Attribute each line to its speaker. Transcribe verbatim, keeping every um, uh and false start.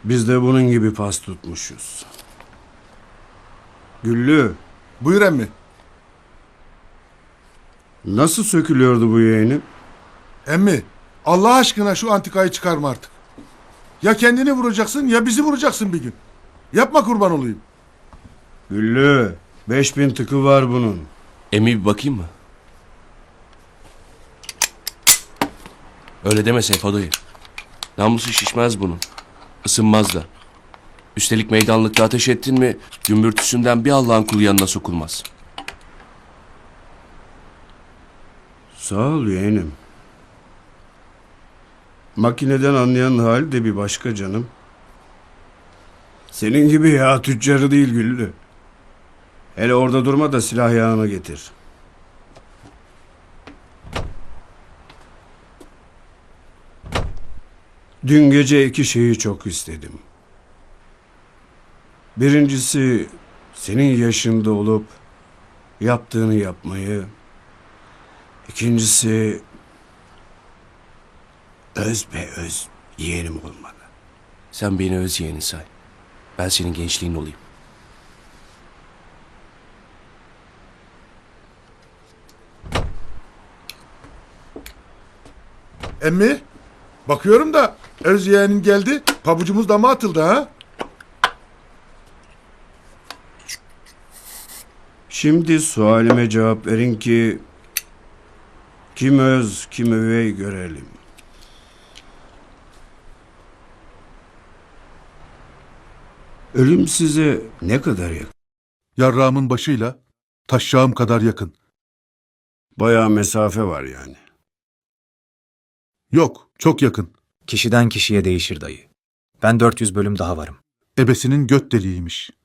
Speaker 1: Biz de bunun gibi pas tutmuşuz. Güllü,
Speaker 2: Buyur emmi.
Speaker 1: nasıl sökülüyordu bu yeğenim?
Speaker 2: Emmi, Allah aşkına şu antikayı çıkarma artık. Ya kendini vuracaksın ya bizi vuracaksın bir gün. Yapma, kurban olayım.
Speaker 1: Güllü, beş bin tıkı var bunun.
Speaker 3: Emi bir bakayım mı? Öyle deme Seyfo dayı. Namusu şişmez bunun. Isınmaz da. Üstelik meydanlıkta ateş ettin mi gümbürtüsünden bir Allah'ın kulu yanına sokulmaz.
Speaker 1: Sağ ol yeğenim. Makineden anlayan hali de bir başka canım. Senin gibi ya tüccarı değil Güllü. Hele orada durma da silah yağını getir. Dün gece iki şeyi çok istedim. Birincisi senin yaşında olup yaptığını yapmayı. İkincisi öz be öz yeğenim olmalı.
Speaker 3: Sen beni öz yeğeni say. Ben senin gençliğin olayım.
Speaker 2: Emmi, bakıyorum da öz yeğenin geldi, pabucumuz dama atıldı ha.
Speaker 1: Şimdi sualime cevap verin ki kim öz kim üvey görelim. Ölüm size ne kadar yakın?
Speaker 4: Yarrağımın başıyla taşşağım kadar yakın.
Speaker 1: Bayağı mesafe var yani.
Speaker 4: Yok, çok yakın.
Speaker 5: Kişiden kişiye değişir dayı. Ben dört yüz bölüm daha varım.
Speaker 4: Ebesinin göt deliğiymiş.